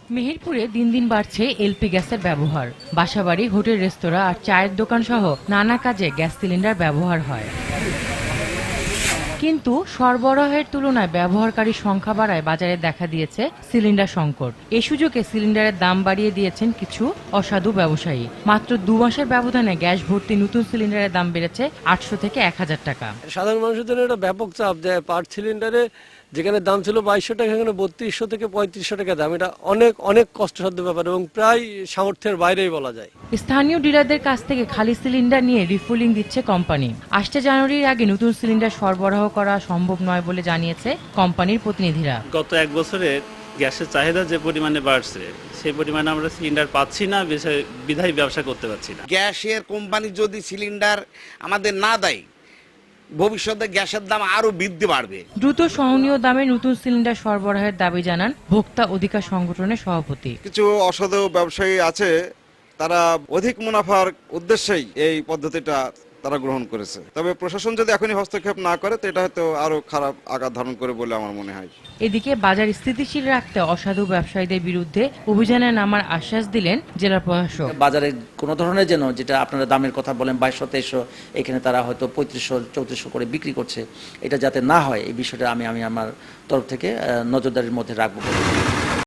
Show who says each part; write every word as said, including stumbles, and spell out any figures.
Speaker 1: মেহেরপুরে দিন দিন বাড়ছে এলপি গ্যাসের ব্যবহার। বাসাবাড়ি, হোটেল, রেস্তোরাঁ আর চায়ের দোকান সহ নানা কাজে গ্যাস সিলিন্ডার ব্যবহার হয়। কিন্তু সরবরাহের তুলনায় ব্যবহারকারীর সংখ্যা বাড়ায় বাজারে দেখা দিয়েছে সিলিন্ডার সংকট। এই সুযোগে সিলিন্ডারের দাম বাড়িয়ে দিয়েছেন কিছু অসাধু ব্যবসায়ী। মাত্র দু মাসের ব্যবধানে গ্যাস ভর্তি নতুন সিলিন্ডারের দাম বেড়েছে আটশো থেকে এক হাজার টাকা।
Speaker 2: সাধারণ মানুষের জন্য এটা ব্যাপক চাপ দেয়। পার সিলিন্ডারে যেখানে দাম ছিল বাইশশো টাকা, এখানে বত্রিশশো থেকে পঁয়ত্রিশশো টাকা দাম। এটা অনেক অনেক কষ্টসাধ্য ব্যাপার এবং প্রায় সামর্থ্যের বাইরেই বলা যায়।
Speaker 1: স্থানীয় ডিলারদের কাছ থেকে খালি সিলিন্ডার নিয়ে রিফুলিং দিচ্ছে কোম্পানি। আসছে জানুয়ারির আগে নতুন সিলিন্ডার সরবরাহ করা সম্ভব নয় বলে জানিয়েছে কোম্পানির প্রতিনিধিরা।
Speaker 3: গত এক বছরে গ্যাসের চাহিদা যে পরিমাণে বাড়ছে সেই পরিমাণে আমরা সিলিন্ডার পাচ্ছি না, বিধায় ব্যবসা করতে পারছি না।
Speaker 4: গ্যাসের কোম্পানি যদি সিলিন্ডার আমাদের না দেয়, ভবিষ্যতে গ্যাসের দাম আরো বৃদ্ধি বাড়বে।
Speaker 1: দ্রুত সহনীয় দামে নতুন সিলিন্ডার সরবরাহের দাবি জানান ভোক্তা অধিকার সংগঠনের সভাপতি।
Speaker 5: কিছু অসাধু ব্যবসায়ী আছে, তারা অধিক মুনাফার উদ্দেশ্যেই এই পদ্ধতিটা তারা গ্রহণ করেছে। তবে প্রশাসন যদি এখনই হস্তক্ষেপ না করে তো এটা হয়তো আরো খারাপ আকার ধারণ করে বলে আমার মনে হয়।
Speaker 1: এদিকে বাজার স্থিতিশীল রাখতে অসাধু ব্যবসায়ীদের বিরুদ্ধে অভিযানে নামার আশ্বাস দিলেন জেলা প্রশাসক।
Speaker 6: বাজারে কোনো ধরনের যেন, যেটা আপনারা দামের কথা বলেন বাইশশো তেইশশো, এখানে তারা হয়তো পঁয়ত্রিশশো চৌত্রিশশো করে বিক্রি করছে, এটা যাতে না হয় এই বিষয়টা আমি আমি আমার তরফ থেকে নজরদারির মধ্যে রাখবো।